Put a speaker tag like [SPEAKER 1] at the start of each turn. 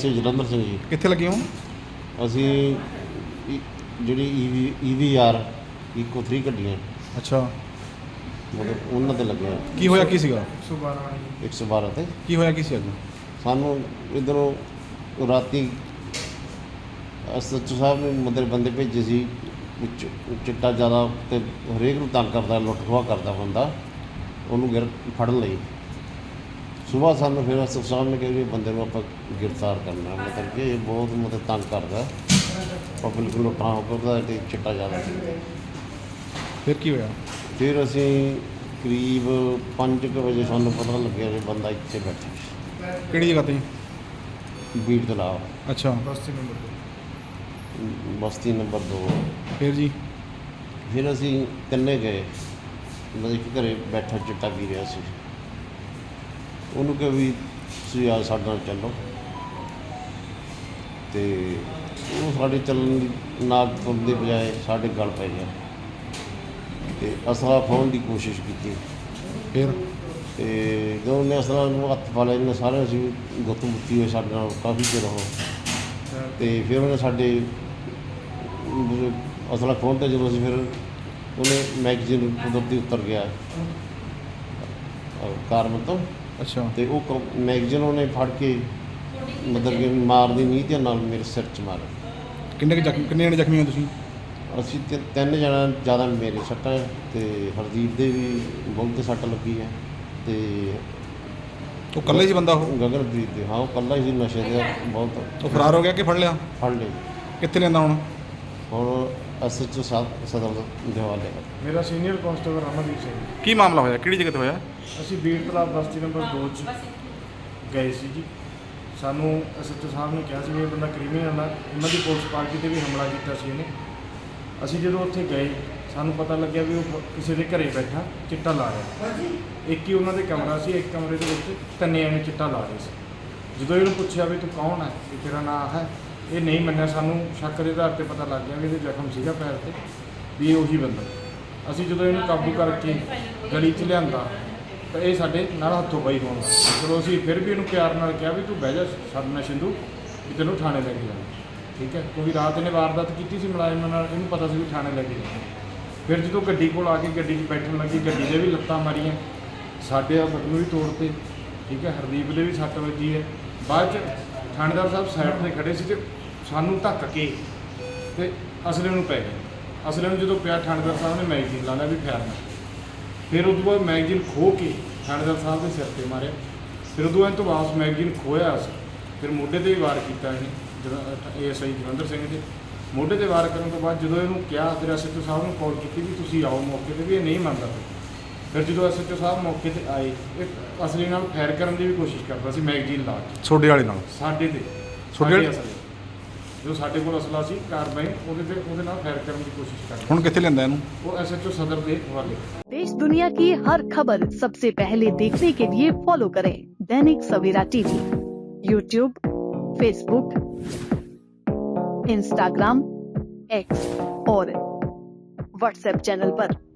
[SPEAKER 1] SA Jalandhar Singh ਜੀ।
[SPEAKER 2] ਕਿੱਥੇ ਲੱਗੇ ਹੋ?
[SPEAKER 1] ਅਸੀਂ ਜਿਹੜੀ EVR ਇਕੋ 3 ਗੱਡੀਆਂ
[SPEAKER 2] ਅੱਛਾ,
[SPEAKER 1] ਮਤਲਬ ਉਹਨਾਂ 'ਤੇ ਲੱਗੇ ਆ।
[SPEAKER 2] ਕੀ ਹੋਇਆ ਕੀ ਸੀਗਾ?
[SPEAKER 1] 112 'ਤੇ
[SPEAKER 2] ਕੀ ਹੋਇਆ ਕੀ ਸੀ ਅੱਜ?
[SPEAKER 1] ਸਾਨੂੰ ਇੱਧਰੋਂ ਰਾਤੀ SHO ਸਾਹਿਬ ਨੇ ਮਤਲਬ ਬੰਦੇ ਭੇਜੇ ਸੀ ਚਿੱਟਾ ਜ਼ਿਆਦਾ ਅਤੇ ਹਰੇਕ ਨੂੰ ਤੰਗ ਕਰਦਾ, ਲੁੱਟ ਖੋਹ ਕਰਦਾ ਬੰਦਾ, ਉਹਨੂੰ ਫੜਨ ਲਈ। ਸੁਬਾਹ ਸਾਨੂੰ ਫਿਰ SHO ਸਾਹਿਬ ਨੇ ਕਿਹਾ ਵੀ ਬੰਦੇ ਨੂੰ ਆਪਾਂ ਗ੍ਰਿਫਤਾਰ ਕਰਨਾ, ਮਤਲਬ ਕਿ ਇਹ ਬਹੁਤ ਮਤਲਬ ਤੰਗ ਕਰਦਾ ਪਬਲਿਕ ਨੂੰ, ਲੁੱਟਾਂ ਕਰਦਾ ਅਤੇ ਚਿੱਟਾ ਜ਼ਿਆਦਾ ਸੀ।
[SPEAKER 2] ਫਿਰ ਕੀ ਹੋਇਆ?
[SPEAKER 1] ਫਿਰ ਅਸੀਂ ਕਰੀਬ 5 ਕੁ ਵਜੇ ਸਾਨੂੰ ਪਤਾ ਲੱਗਿਆ ਵੀ ਬੰਦਾ ਇੱਥੇ ਬੈਠਾ ਸੀ।
[SPEAKER 2] ਕਿਹੜੀ ਜਗ੍ਹਾ ਤੇ?
[SPEAKER 1] ਬੀੜ ਤਲਾਬ,
[SPEAKER 2] ਅੱਛਾ,
[SPEAKER 1] ਬਸਤੀ ਨੰਬਰ 2।
[SPEAKER 2] ਫਿਰ ਜੀ?
[SPEAKER 1] ਫਿਰ ਅਸੀਂ ਤਿੰਨੇ ਗਏ, ਮਤਲਬ ਕਿ ਘਰੇ ਬੈਠਾ ਚਿੱਟਾ ਪੀ ਰਿਹਾ ਸੀ। ਉਹਨੂੰ ਕਿਹਾ ਵੀ ਤੁਸੀਂ ਆ ਸਾਡੇ ਨਾਲ ਚੱਲੋ, ਅਤੇ ਉਹ ਸਾਡੇ ਚੱਲਣ ਦੀ ਨਾਕ ਤੁਰਨ ਦੀ ਬਜਾਏ ਸਾਡੇ ਗਲ ਪੈ ਗਿਆ ਅਤੇ ਅਸਲਾ ਖੋਹਣ ਦੀ ਕੋਸ਼ਿਸ਼ ਕੀਤੀ।
[SPEAKER 2] ਫਿਰ?
[SPEAKER 1] ਅਤੇ ਜਦੋਂ ਉਹਨੇ ਅਸਲਾ ਨੂੰ ਹੱਥ ਪਾ ਲਿਆ, ਇਹਨੇ ਸਾਰੇ ਅਸੀਂ ਗੁੱਤ ਮੁੱਤੀ ਹੋਏ ਸਾਡੇ ਨਾਲ ਕਾਫੀ ਚਿਰ ਉਹ, ਅਤੇ ਫਿਰ ਉਹਨੇ ਸਾਡੇ ਅਸਲਾ ਖੋਹਣ 'ਤੇ ਜਦੋਂ ਅਸੀਂ ਫਿਰ ਉਹਨੇ ਮੈਗਜ਼ੀਨ ਕੁਦਰਤੀ ਉੱਤਰ ਗਿਆ ਕਾਰਨ ਤੋਂ।
[SPEAKER 2] ਅੱਛਾ,
[SPEAKER 1] ਅਤੇ ਉਹ ਮੈਗਜ਼ੀਨ ਉਹਨੇ ਫੜ ਕੇ ਮਤਲਬ ਕਿ ਮਾਰਦੀ ਨੀਤ ਨਾਲ ਮੇਰੇ ਸਿਰ 'ਚ ਮਾਰਿਆ।
[SPEAKER 2] ਕਿੰਨੇ ਜਣੇ ਜ਼ਖਮੀ ਹੋ ਤੁਸੀਂ?
[SPEAKER 1] ਅਸੀਂ ਤਿੰਨ ਜਣਾ, ਜ਼ਿਆਦਾ ਮੇਰੇ ਸੱਟਾਂ ਅਤੇ ਹਰਦੀਪ ਦੇ ਵੀ ਬਹੁਤ 'ਤੇ ਸੱਟ ਲੱਗੀ ਹੈ, ਅਤੇ
[SPEAKER 2] ਉਹ ਇਕੱਲਾ ਹੀ ਸੀ ਬੰਦਾ? ਉਹ
[SPEAKER 1] ਗਗਨਪ੍ਰੀਤ ਦੇ, ਹਾਂ ਉਹ ਇਕੱਲਾ ਹੀ ਸੀ, ਨਸ਼ੇ ਦੇ ਬਹੁਤ।
[SPEAKER 2] ਉਹ ਫਰਾਰ ਹੋ ਗਿਆ ਕਿ ਫੜ ਲਿਆ?
[SPEAKER 1] ਫੜ ਲਏ।
[SPEAKER 2] ਕਿੱਥੇ ਲੈਂਦਾ ਹੁਣ?
[SPEAKER 1] ਹੁਣ SHO ਸਦਰ ਦੇ ਹਵਾਲੇ।
[SPEAKER 3] ਮੇਰਾ ਸੀਨੀਅਰ ਕਾਂਸਟੇਬਲ ਰਮਨਦੀਪ ਸਿੰਘ।
[SPEAKER 2] ਕੀ ਮਾਮਲਾ ਹੋਇਆ? ਕਿਹੜੀ ਜਗ੍ਹਾ ਤੇ ਹੋਇਆ?
[SPEAKER 3] ਅਸੀਂ ਬੀੜ ਤਲਾਬ ਬਸਤੀ ਨੰਬਰ 2 'ਚ ਗਏ ਸੀ ਜੀ। ਸਾਨੂੰ SHO ਸਾਹਿਬ ਨੇ ਕਿਹਾ ਸੀ ਵੀ ਇਹ ਬੰਦਾ ਕ੍ਰਿਮੀਨਲ ਆ, ਉਹਨਾਂ ਦੀ ਪੁਲਿਸ ਪਾਰਟੀ 'ਤੇ ਵੀ ਹਮਲਾ ਕੀਤਾ ਸੀ ਇਹਨੇ। ਅਸੀਂ ਜਦੋਂ ਉੱਥੇ ਗਏ ਸਾਨੂੰ ਪਤਾ ਲੱਗਿਆ ਵੀ ਉਹ ਕਿਸੇ ਦੇ ਘਰੇ ਬੈਠਾ ਚਿੱਟਾ ਲਾ ਰਿਹਾ। ਇੱਕ ਹੀ ਉਹਨਾਂ ਦੇ ਕਮਰਾ ਸੀ, ਇੱਕ ਕਮਰੇ ਦੇ ਵਿੱਚ ਤਿੰਨੇ ਐਵੇਂ ਚਿੱਟਾ ਲਾ ਰਹੇ ਸੀ। ਜਦੋਂ ਇਹਨੂੰ ਪੁੱਛਿਆ ਵੀ ਤੂੰ ਕੌਣ ਹੈ, ਵੀ ਤੇਰਾ ਨਾਂ ਹੈ, ਇਹ ਨਹੀਂ ਮੰਨਿਆ। ਸਾਨੂੰ ਸ਼ੱਕ ਦੇ ਆਧਾਰ 'ਤੇ ਪਤਾ ਲੱਗ ਗਿਆ ਵੀ ਇਹਦੇ ਜ਼ਖਮ ਸੀਗਾ ਪੈਰ 'ਤੇ, ਵੀ ਇਹ ਉਹੀ ਬੰਦਾ। ਅਸੀਂ ਜਦੋਂ ਇਹਨੂੰ ਕਾਬੂ ਕਰਕੇ ਗਲੀ 'ਚ ਲਿਆਂਦਾ ਤਾਂ ਇਹ ਸਾਡੇ ਨਾਲ ਹੱਥੋਂ ਪਾਈ ਹੋਣ ਲੱਗ ਪਿਆ। ਚਲੋ ਅਸੀਂ ਫਿਰ ਵੀ ਇਹਨੂੰ ਪਿਆਰ ਨਾਲ ਕਿਹਾ ਵੀ ਤੂੰ ਬਹਿ ਜਾ ਸਾਡੇ ਨਾਲ ਸਿੰਧੂ, ਵੀ ਤੈਨੂੰ ਥਾਣੇ ਲੈ ਕੇ ਜਾਣਾ, ਠੀਕ ਹੈ, ਕਿਉਂਕਿ ਰਾਤ ਇਹਨੇ ਵਾਰਦਾਤ ਕੀਤੀ ਸੀ ਮੁਲਾਜ਼ਮਾਂ ਨਾਲ, ਇਹਨੂੰ ਪਤਾ ਸੀ ਵੀ ਥਾਣੇ ਲੈ ਕੇ ਜਾਣਾ। ਫਿਰ ਜਦੋਂ ਗੱਡੀ ਕੋਲ ਆ ਕੇ ਗੱਡੀ 'ਚ ਬੈਠਣ ਲੱਗੀ, ਗੱਡੀ ਦੇ ਵੀ ਲੱਤਾਂ ਮਾਰੀਆਂ, ਸਾਡੇ ਆ ਬਟਨ ਵੀ ਤੋੜਤੇ, ਠੀਕ ਹੈ, ਹਰਦੀਪ ਦੇ ਵੀ ਸੱਟ ਵੱਜੀ ਹੈ। ਬਾਅਦ 'ਚ ਥਾਣੇਦਾਰ ਸਾਹਿਬ ਸਾਈਡ 'ਤੇ ਖੜੇ ਸੀ ਅਤੇ ਸਾਨੂੰ ਧੱਕ ਕੇ ਅਤੇ ਅਸਲੇ ਨੂੰ ਪੈ ਗਏ। ਅਸਲੇ ਨੂੰ ਜਦੋਂ ਪਿਆ, ਥਾਣੇਦਾਰ ਸਾਹਿਬ ਨੇ ਮੈਗਜ਼ੀਨ ਲਾ ਲਿਆ ਵੀ ਫੈਰਨਾ। ਫਿਰ ਉਦੋਂ ਬਾਅਦ ਮੈਗਜ਼ੀਨ ਖੋਹ ਕੇ ਥਾਣੇਦਾਰ ਸਾਹਿਬ ਦੇ ਸਿਰ 'ਤੇ ਮਾਰਿਆ। ਫਿਰ ਉਦੋਂ ਇਹ ਤੋਂ ਵਾਪਸ ਮੈਗਜ਼ੀਨ ਖੋਹਿਆ ਸੀ, ਫਿਰ ਮੋਢੇ 'ਤੇ ਵੀ ਵਾਰ ਕੀਤਾ ਇਹਨੇ, ਜਦੋਂ ASI ਜਲੰਧਰ ਸਿੰਘ ਦੇ ਮੋਢੇ 'ਤੇ ਵਾਰ ਕਰਨ ਤੋਂ ਬਾਅਦ ਜਦੋਂ ਇਹਨੂੰ ਕਿਹਾ, ਫਿਰ SHO ਸਾਹਿਬ ਨੂੰ ਕਾਲ ਕੀਤੀ ਵੀ ਤੁਸੀਂ ਆਓ ਮੌਕੇ 'ਤੇ, ਵੀ ਇਹ ਨਹੀਂ ਮੰਨਦਾ। ਫਿਰ ਜਦੋਂ SHO ਸਾਹਿਬ ਮੌਕੇ 'ਤੇ ਆਏ, ਇਹ ਅਸਲੀ ਨਾਲ ਫਾਇਰ ਕਰਨ ਦੀ ਵੀ ਕੋਸ਼ਿਸ਼ ਕਰਦਾ ਸੀ ਮੈਗਜ਼ੀਨ ਲਾ ਕੇ।
[SPEAKER 2] ਛੋਡੇ ਵਾਲੇ ਨਾਲ?
[SPEAKER 3] ਸਾਡੇ 'ਤੇ, ਸਾਡੇ ਅਸਲੇ ਜੋ ਸਾਡੇ ਕੋਲ ਅਸਲਾ ਸੀ ਕਾਰਵਾਈ, ਉਹਦੇ ਨਾਲ ਫਾਇਰ ਕਰਨ ਦੀ ਕੋਸ਼ਿਸ਼ ਕਰਦਾ।
[SPEAKER 2] ਹੁਣ ਕਿੱਥੇ ਲੈਂਦਾ ਇਹਨੂੰ?
[SPEAKER 3] ਉਹ SHO सदर ਦੇ हवाले।
[SPEAKER 4] देश दुनिया की हर खबर सबसे पहले देखने के लिए फॉलो करें Dainik Savera TV, YouTube, Facebook, Instagram, X और WhatsApp चैनल पर।